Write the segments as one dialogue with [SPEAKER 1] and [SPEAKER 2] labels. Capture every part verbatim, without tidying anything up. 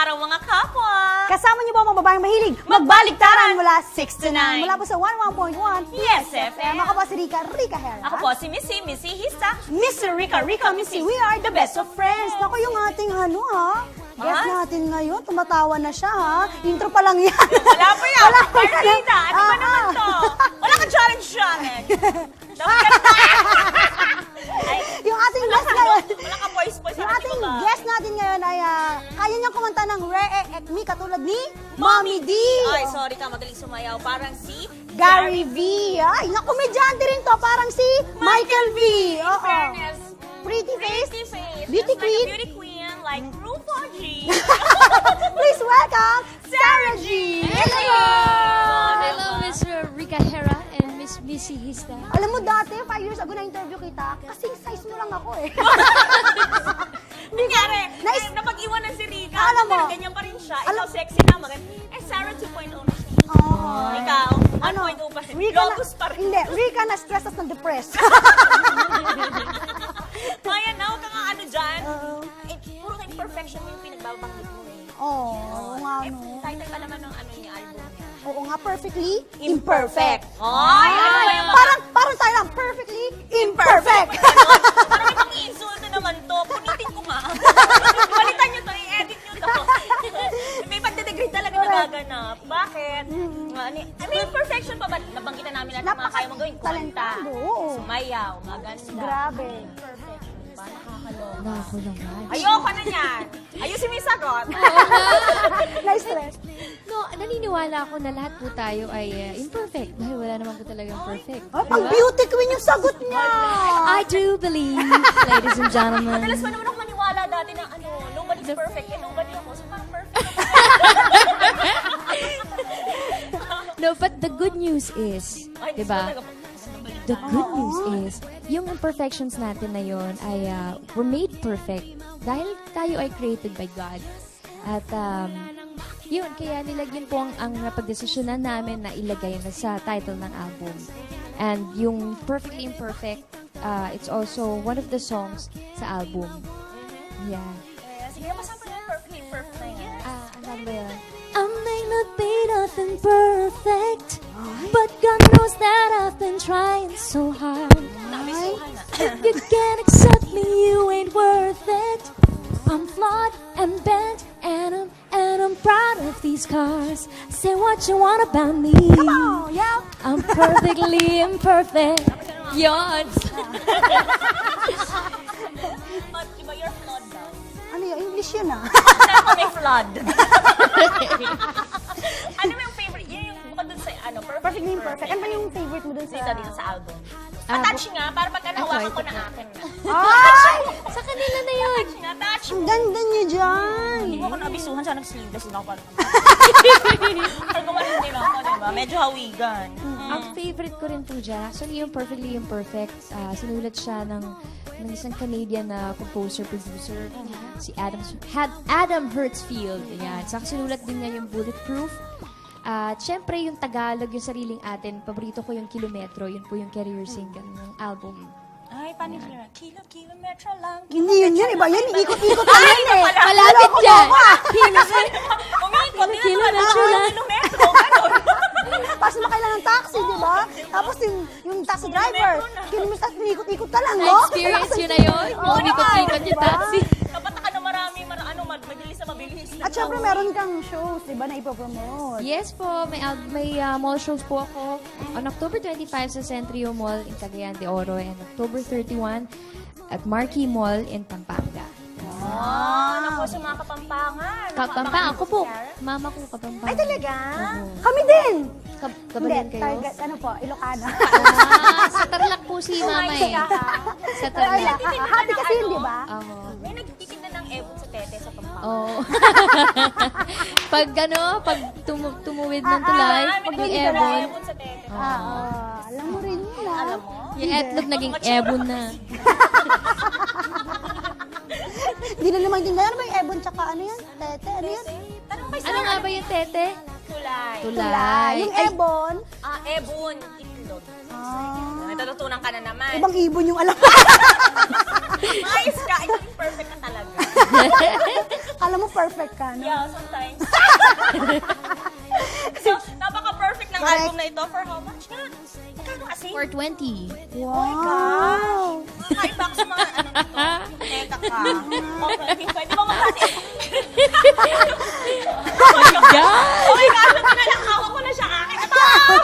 [SPEAKER 1] araw mga kapwa!
[SPEAKER 2] Kasama niyo ba ang mga babaeng mahilig magbaliktaran mula six to nine? Mula po sa one oh one point one
[SPEAKER 1] Yes, F M.
[SPEAKER 2] Ako po si Rica, Rica Hera.
[SPEAKER 1] Ako po si Missy, Missy Hista.
[SPEAKER 2] Mister Rica, Rica, Missy, we are the best of friends. Naku, yung ating ano ha, guest
[SPEAKER 1] Ah?
[SPEAKER 2] natin ngayon, tumatawa na siya ha. Intro pa lang yan.
[SPEAKER 1] Wala pa yan!
[SPEAKER 2] Wala pa yan.
[SPEAKER 1] Margarita, ano ba
[SPEAKER 2] Ah,
[SPEAKER 1] naman
[SPEAKER 2] ah.
[SPEAKER 1] to? Wala kang challenge challenge! Dapat ka Ay,
[SPEAKER 2] Yung ating
[SPEAKER 1] wala
[SPEAKER 2] guest
[SPEAKER 1] ka,
[SPEAKER 2] ngayon,
[SPEAKER 1] no? Wala ka voice voice.
[SPEAKER 2] yung
[SPEAKER 1] ano,
[SPEAKER 2] ating
[SPEAKER 1] di ba ba?
[SPEAKER 2] guest natin ngayon ay ah, kaya niyang kumanta ng Rare Ek Me katulad ni Mommy D.
[SPEAKER 1] Ay, sorry ka, magaling sumayaw. Parang si
[SPEAKER 2] Gary V. Ay, naku, medyante rin to. Parang si Michael V.
[SPEAKER 1] In
[SPEAKER 2] Oo.
[SPEAKER 1] fairness,
[SPEAKER 2] Pretty face.
[SPEAKER 1] Pretty face.
[SPEAKER 2] Beauty
[SPEAKER 1] Just
[SPEAKER 2] queen.
[SPEAKER 1] Like a beauty queen, like RuPaul G.
[SPEAKER 2] Please welcome Sarah G.
[SPEAKER 3] Hello! Hello, Mister Rica Hera and Miss Missy Hista.
[SPEAKER 2] Alam mo dati, five years ago na-interview kita, kasing size mo lang ako eh.
[SPEAKER 1] Nangyari,
[SPEAKER 2] Nice.
[SPEAKER 1] eh, napag-iwanan si Rica.
[SPEAKER 2] Alam mo.
[SPEAKER 1] Ganyan pa rin siya.
[SPEAKER 2] Alam-
[SPEAKER 1] Ikaw sexy na, maganda. Eh, Sarah two point oh na siya.
[SPEAKER 2] Oh.
[SPEAKER 1] Ikaw, one point oh pa siya.
[SPEAKER 2] Rika na,
[SPEAKER 1] Locus pa rin.
[SPEAKER 2] hindi, Rika na stress at na-depressed.
[SPEAKER 1] Maya na, huwag ka nga ano dyan.
[SPEAKER 2] Oo.
[SPEAKER 1] Eh, puro ka imperfection mo yung pinagbabanggit mo eh.
[SPEAKER 2] Oo, oo nga
[SPEAKER 1] Eh,
[SPEAKER 2] no.
[SPEAKER 1] title pa naman ng ano niya, album niya.
[SPEAKER 2] Oo nga, perfectly imperfect.
[SPEAKER 1] Ay, ano ba yung mga...
[SPEAKER 2] Parang, parang tayo lang, perfectly imperfect.
[SPEAKER 1] Parang ibang insulto naman to. Punitin ko nga. Palitan nyo to, i-edit nyo to. May pagdedegrade talaga nagaganap. Bakit? Ano, I mean, perfection pa ba? Nabanggitan namin lahat ng mga kaya mong gawin. Kumanta,
[SPEAKER 2] Napaka-talentado, oo.
[SPEAKER 1] sumayaw, maganda.
[SPEAKER 2] Grabe.
[SPEAKER 1] Perfect. Diba? Nakakaloka.
[SPEAKER 3] Nako naman.
[SPEAKER 1] Ayoko na yan. Ayusin mo yung sagot.
[SPEAKER 2] Na-stress.
[SPEAKER 3] No, naniniwala ako na lahat po tayo ay uh, imperfect dahil wala naman po talagang perfect.
[SPEAKER 2] Oh, pang beauty queen yung sagot niya.
[SPEAKER 3] I do believe, ladies and gentlemen.
[SPEAKER 1] Madalas pa naman ako maniwala dati na ano, nobody's perfect and nobody ako. So parang perfect.
[SPEAKER 3] No, but the good news is,
[SPEAKER 1] Ay,
[SPEAKER 3] di ba?
[SPEAKER 1] talaga po.
[SPEAKER 3] The good news is, yung imperfections natin na yon ay uh, were made perfect dahil tayo ay created by God. At um, yun, kaya nilagyan po ang, ang napagdesisyonan namin na ilagay na sa title ng album. And yung Perfectly Imperfect, uh, it's also one of the songs sa album. Yeah.
[SPEAKER 1] Eh, sige, masama na yung perfectly perfect na yan.
[SPEAKER 3] Ah, ano ba yun? I may not be nothing perfect, but God knows that I've been trying so hard.
[SPEAKER 1] Nabisuhan na.
[SPEAKER 3] If you can't accept me, you ain't worth it. I'm flawed and bent, and I'm and I'm proud of these scars. Say what you want about me.
[SPEAKER 2] Oh, yeah.
[SPEAKER 3] I'm perfectly imperfect. Yon.
[SPEAKER 1] But, diba, you're flawed daw.
[SPEAKER 2] Ano yun? English yun ah.
[SPEAKER 1] Hindi ako may flood. Ano mo yung favorite? Yun yung bukod dun sa, ano,
[SPEAKER 2] Perfectly imperfect. Ano ba yung favorite mo dun sa...
[SPEAKER 1] Dito, dito sa album.
[SPEAKER 3] Ah,
[SPEAKER 1] Attach nga, para pagka nahawakan
[SPEAKER 3] ito,
[SPEAKER 1] ko
[SPEAKER 3] ito.
[SPEAKER 1] na akin na.
[SPEAKER 2] Ay!
[SPEAKER 3] Sa kanila na yun.
[SPEAKER 1] Attach nga, attach.
[SPEAKER 2] Ang ganda niyo dyan.
[SPEAKER 1] Hindi mo ako nabisuhan sa nag-sleeveless din ako parang. Pag gumaling din ako, diba? Medyo hawigan.
[SPEAKER 3] Ang favorite ko rin po dyan, actually yung Perfectly Imperfect, ah, sinulat siya ng, ng isang Canadian na composer-producer, si Adam, had Adam Hertzfield. Yan. Saka sinulat din niya yung Bulletproof. At syempre yung Tagalog, yung sariling atin, paborito ko yung Kilometro, yun po yung career single ng album.
[SPEAKER 1] Ay, paano yung kilo? Kilo, kilometro lang.
[SPEAKER 2] Hindi yun yun, iba yun. Ikot-ikot na yun eh.
[SPEAKER 3] Malapit dyan!
[SPEAKER 1] Umikot, din
[SPEAKER 3] Kilo,
[SPEAKER 1] naman
[SPEAKER 3] metro
[SPEAKER 1] ako,
[SPEAKER 3] lang.
[SPEAKER 1] kilometro, gano'n.
[SPEAKER 2] Tapos sumakay lang ng taxi, di ba? Tapos yung, yung taxi driver, kinumis tapos ikot-ikot ka lang, no?
[SPEAKER 3] Na-experience yun na yun?
[SPEAKER 2] Oo
[SPEAKER 3] Yung ikot-ikot
[SPEAKER 2] naman,
[SPEAKER 3] yung
[SPEAKER 2] diba?
[SPEAKER 3] taxi.
[SPEAKER 1] Kapatakan na marami, mar ano, mag- mabilis na mabilis.
[SPEAKER 2] At syempre meron kang shows, di ba, na ipopromote.
[SPEAKER 3] Yes po, may al- may uh, mall shows po ako on October twenty-five sa Centrio Mall in Cagayan de Oro and October thirty-one at Marquee Mall in Pampanga.
[SPEAKER 1] Ah, naku, sa mga kapampangan.
[SPEAKER 3] Pampanga, ako po. Mama ko Kapampanga.
[SPEAKER 1] Ay, talaga?
[SPEAKER 2] Kami din!
[SPEAKER 3] Kab
[SPEAKER 2] Hindi,
[SPEAKER 3] Kabayan kayo?
[SPEAKER 2] target, ano po, Ilocana.
[SPEAKER 3] Ah, sa Tarlac po si Mama eh. Sa
[SPEAKER 2] Ay,
[SPEAKER 3] Tarlac.
[SPEAKER 2] ah, happy kasi yun, di ba?
[SPEAKER 3] Oo.
[SPEAKER 1] May nagtitinda ng ebon sa tete sa Pampanga.
[SPEAKER 3] Oo. Pag ano, pag tumu tumuwid ng tulay,
[SPEAKER 1] Ah,
[SPEAKER 3] pag
[SPEAKER 1] may
[SPEAKER 3] may
[SPEAKER 1] nagtitinda ng
[SPEAKER 3] ebon,
[SPEAKER 1] ebon sa tete.
[SPEAKER 2] Ah, ah, alam mo rin yun, ah.
[SPEAKER 1] Alam mo?
[SPEAKER 3] yung etlog naging ebon na.
[SPEAKER 2] Hindi na naman din ano ba yung Ebon tsaka ano yan? Tete, ano yan?
[SPEAKER 1] Tanong kay
[SPEAKER 3] Ano
[SPEAKER 1] Sarah.
[SPEAKER 3] nga ba yung tete?
[SPEAKER 1] Tulay.
[SPEAKER 3] Tulay.
[SPEAKER 2] Yung
[SPEAKER 3] Ay,
[SPEAKER 2] Ebon,
[SPEAKER 1] Ah, ebon. Itlog.
[SPEAKER 2] ah,
[SPEAKER 1] May natutunan ka na naman.
[SPEAKER 2] ibang ibon yung alam.
[SPEAKER 1] Ayos ka. Ito yung perfect ka talaga.
[SPEAKER 2] Alam mo, perfect ka, no?
[SPEAKER 1] Yeah, sometimes. So, napaka-perfect ng
[SPEAKER 2] Correct.
[SPEAKER 1] album na ito. For how much nga? Magkano kasi?
[SPEAKER 3] four twenty.
[SPEAKER 2] Wow!
[SPEAKER 1] Nakaiba ako sa mga ano nito. Teka ka. Okay, pwede ba magbati? Oh my God! Oh my God! Ito na lang. Hawak ko na siya. Akin. Ito!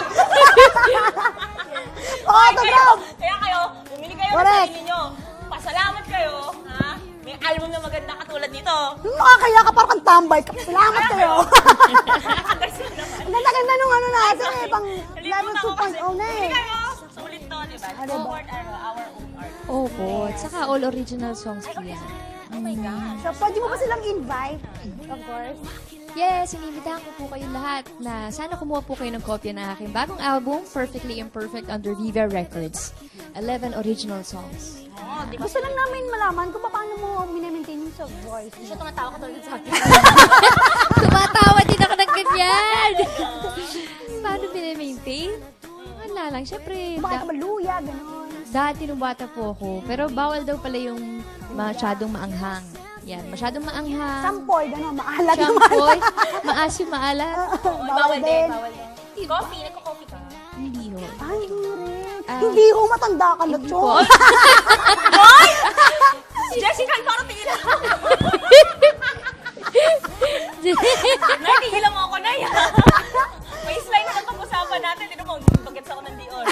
[SPEAKER 2] Autograph!
[SPEAKER 1] Kaya kayo, bumili kayo ng
[SPEAKER 2] Correct.
[SPEAKER 1] sarili nyo. Pasalamat kayo. Ha? May album na maganda katulad nito.
[SPEAKER 2] Nakakaya ka, parang kang tambay ka. Salamat kayo.
[SPEAKER 1] Nakagasa naman.
[SPEAKER 2] Ang ganda-ganda nung ano natin eh, pang
[SPEAKER 1] Nalimutan
[SPEAKER 2] level
[SPEAKER 1] ko
[SPEAKER 2] two point oh na
[SPEAKER 1] Bumili
[SPEAKER 2] eh.
[SPEAKER 1] kayo. Sulit to, di ba?
[SPEAKER 2] Ah, diba?
[SPEAKER 1] Forward our, our own art.
[SPEAKER 3] Opo. At saka all original songs po yan.
[SPEAKER 1] Oh my God.
[SPEAKER 2] So, pwede mo ba silang invite? Of course.
[SPEAKER 3] Yes, inibitahan ko po kayong lahat na sana kumuha po kayo ng kopya ng aking bagong album, Perfectly Imperfect under Viva Records. eleven original songs.
[SPEAKER 1] Oh, di ba?
[SPEAKER 2] Gusto lang namin malaman kung paano mo minamaintain yung soft voice.
[SPEAKER 1] Siya tumatawa ka tulad sa akin.
[SPEAKER 3] Tumatawa din ako ng ganyan! Paano binamaintain? Wala lang. Siyempre,
[SPEAKER 2] Bakit ka
[SPEAKER 3] da-
[SPEAKER 2] maluya, gano'n.
[SPEAKER 3] dati nung bata po ako, pero bawal daw pala yung masyadong maanghang. Yan, masyadong maanghang.
[SPEAKER 2] Sampoy, gano'n, maalat naman.
[SPEAKER 3] Champoy, maasim, maalat.
[SPEAKER 1] Bawal, bawal din. Bawal din. Coffee, nagko-coffee ka.
[SPEAKER 3] Hindi ho.
[SPEAKER 2] Ay, hindi rin.
[SPEAKER 3] Ah.
[SPEAKER 2] Hindi ho, matanda ka na,
[SPEAKER 3] Hindi
[SPEAKER 2] Chong.
[SPEAKER 3] po.
[SPEAKER 1] Boy! Si Jessica, parang tingin ako. Nay, tigilan mo ako, Nay. May slide na pag-usapan natin. Tino mo, bagets ako ng Dior.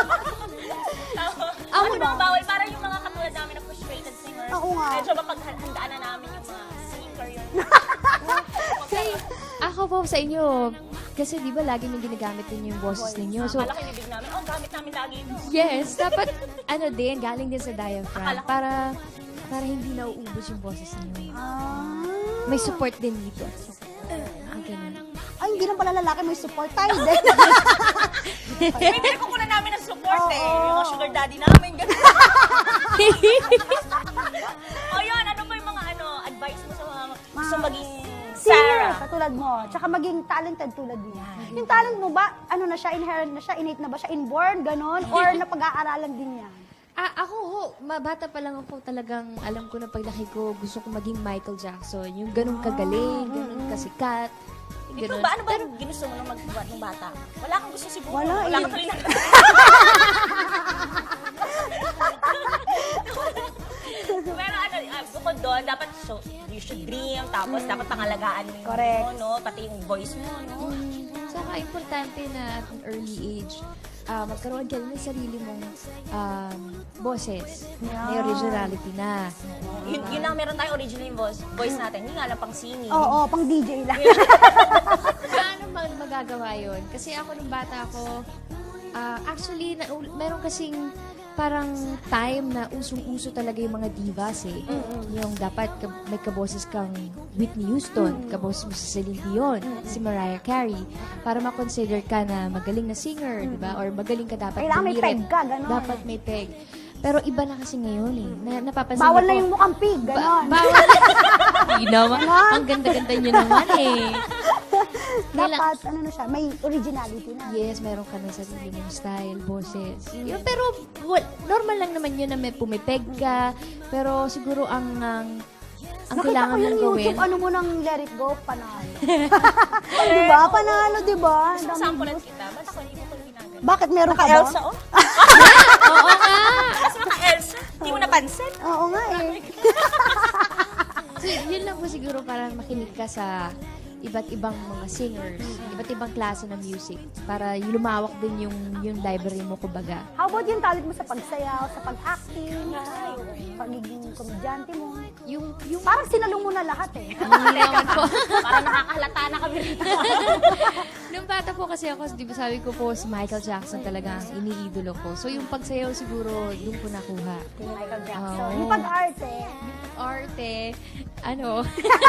[SPEAKER 2] Amo
[SPEAKER 1] Ano
[SPEAKER 2] ba?
[SPEAKER 1] bang bawal? Parang yung mga katulad namin na frustrated singers.
[SPEAKER 2] Oo nga.
[SPEAKER 1] Medyo mapaghandaan na namin yung mga singer yun.
[SPEAKER 3] Say, ako po sa inyo, kasi di ba lagi nyung ginagamit din yung boses ninyo. So,
[SPEAKER 1] Akala ko yung bibig namin, oh, gamit namin lagi ito.
[SPEAKER 3] yes, dapat, ano din, galing din sa diaphragm.
[SPEAKER 1] Akala ko-
[SPEAKER 3] Para, para hindi nauubos yung boses ninyo.
[SPEAKER 2] Ah.
[SPEAKER 3] May support din dito. Ah, ganun.
[SPEAKER 2] Ay, hindi lang pala lalaki, may support tayo din.
[SPEAKER 1] Bibili ko muna namin ng support eh.
[SPEAKER 2] Oo.
[SPEAKER 1] Yung mga sugar daddy namin. Ganun. O yun, ano ba yung mga ano, advice mo sa mga gusto maging
[SPEAKER 2] Singer,
[SPEAKER 1] Sarah?
[SPEAKER 2] katulad mo. Tsaka maging talented tulad mo. Yung talent mo ba, ano na siya, inherent na siya, innate na ba siya, inborn, ganon? Or napag-aaralan din yan?
[SPEAKER 3] Ah, ako ho, mabata pa lang ako talagang alam ko na paglaki ko, gusto ko maging Michael Jackson. Yung ganun kagaling, ganun kasikat.
[SPEAKER 1] Ikaw
[SPEAKER 3] Ganun.
[SPEAKER 1] ba? Ano ba yung ginusto mo nung magbuhat ng bata? Wala kang gusto siguro.
[SPEAKER 2] Wala
[SPEAKER 1] Wala
[SPEAKER 2] eh.
[SPEAKER 1] kang tuloy na. Pero ano, uh, bukod doon, dapat so, you should dream, tapos dapat pangalagaan mo yung
[SPEAKER 2] Correct.
[SPEAKER 1] mo, no? Pati yung voice mo, no?
[SPEAKER 3] Saka importante na at an early age, ah, magkaroon ka ng sarili mong um, boses. May originality na.
[SPEAKER 1] Yun, yun lang, meron tayong original yung voice, voice natin. Hindi nga lang pang singing.
[SPEAKER 2] Oo, pang D J lang.
[SPEAKER 3] Paano mag- magagawa yun? Kasi ako nung bata ako, ah, actually, na, meron kasing parang time na usong-uso talaga yung mga divas eh. Yung dapat ka- may kaboses kang Whitney Houston, kaboses mo si Celine Dion, si Mariah Carey, para ma-consider ka na magaling na singer, di ba? Or magaling ka dapat
[SPEAKER 2] Kailangan may
[SPEAKER 3] dumiret.
[SPEAKER 2] peg ka, ganon.
[SPEAKER 3] Dapat may peg. Pero iba na kasi ngayon eh. Na, napapansin
[SPEAKER 2] Bawal
[SPEAKER 3] ko-
[SPEAKER 2] na yung mukhang pig,
[SPEAKER 3] Ba-
[SPEAKER 2] ganon.
[SPEAKER 3] bawal. Hindi naman. Ang ganda-ganda nyo naman eh.
[SPEAKER 2] Dapat, ano na siya, may originality na.
[SPEAKER 3] Yes, meron ka ng sarili mong style, boses. Yun, pero well, normal lang naman yun na may pumipeg ka. Pero siguro ang ang, ang
[SPEAKER 2] Nakita
[SPEAKER 3] kailangan
[SPEAKER 2] ko yung
[SPEAKER 3] mong gawin.
[SPEAKER 2] YouTube, ano mo nang let it go, panalo. Ay, diba? Panalo, diba? Ang daming
[SPEAKER 1] Sampulan
[SPEAKER 2] views.
[SPEAKER 1] kita. Ba't ako hindi mo ko ginagawa?
[SPEAKER 2] Bakit meron ka ba?
[SPEAKER 1] Naka-Elsa, oh.
[SPEAKER 3] Oo nga.
[SPEAKER 1] Tapos naka-Elsa. Hindi mo napansin.
[SPEAKER 2] Oo nga eh.
[SPEAKER 3] So, yun lang po siguro para makinig ka sa iba't ibang mga singers, iba't ibang klase ng music para yung lumawak din yung yung library mo kumbaga.
[SPEAKER 2] How about yung talent mo sa pagsayaw, sa pag-acting, pagiging komedyante mo?
[SPEAKER 3] Yung yung
[SPEAKER 2] Parang sinalo mo na lahat eh.
[SPEAKER 3] Hindi naman po.
[SPEAKER 1] Parang nakakahalata na kami rito.
[SPEAKER 3] Nung bata po kasi ako, di ba sabi ko po, si Michael Jackson talaga ang iniidolo ko. So yung pagsayaw siguro, doon ko nakuha.
[SPEAKER 2] Michael Jackson.
[SPEAKER 3] Oo.
[SPEAKER 2] Yung pag-arte,
[SPEAKER 3] Arte, ano?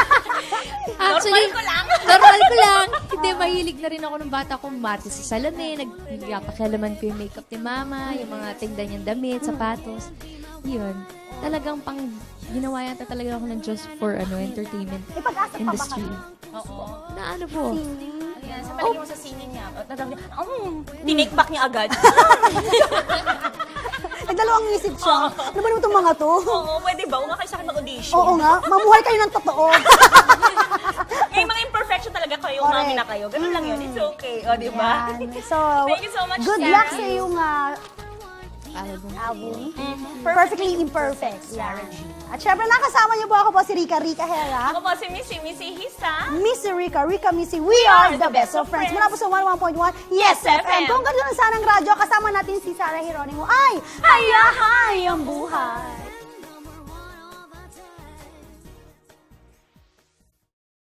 [SPEAKER 1] Normal ko lang.
[SPEAKER 3] Normal ko lang. Hindi, mahilig na rin ako nung bata ko. Marte sa salamin, nagpapakialaman ko yung makeup ni mama, yung mga tinda niyang damit, sapatos. Yun. Talagang pang, ginawa yata talaga ako ng just for ano entertainment
[SPEAKER 2] may pag-asa pa ba
[SPEAKER 3] industry.
[SPEAKER 2] ka?
[SPEAKER 1] Oo.
[SPEAKER 3] Na ano po?
[SPEAKER 1] Ayan, sa palagay mo sa singing niya. At nadam niya, um, tinake back niya agad.
[SPEAKER 2] Nagdalawang isip siya. Ano ba naman itong mga to?
[SPEAKER 1] Oo, pwede ba? Huwag nga kayo sa akin mag-audition.
[SPEAKER 2] Oo nga, mamuhay kayo ng totoo.
[SPEAKER 1] May mga imperfection talaga kayo,
[SPEAKER 2] Correct.
[SPEAKER 1] umami na kayo. Ganun lang yun. It's okay. O, di ba?
[SPEAKER 2] Yan. So,
[SPEAKER 1] Thank you so much,
[SPEAKER 2] good
[SPEAKER 1] Sarah.
[SPEAKER 2] luck sa iyong ah,
[SPEAKER 3] Album.
[SPEAKER 2] album.
[SPEAKER 1] Mhm.
[SPEAKER 2] Perfectly Imperfect.
[SPEAKER 1] Sarah
[SPEAKER 2] Yan.
[SPEAKER 1] G.
[SPEAKER 2] At syempre, nakasama niyo po ako po si Rika, Rika Hera.
[SPEAKER 1] Ako po si Missy, Missy Hisa.
[SPEAKER 2] Missy Rika, Rika Missy, we are the best of friends. Mula po sa one oh one point one Yes F M. Kung gano'n sana ng radyo, kasama natin si Sarah Geronimo. Ay, hayahay ang buhay.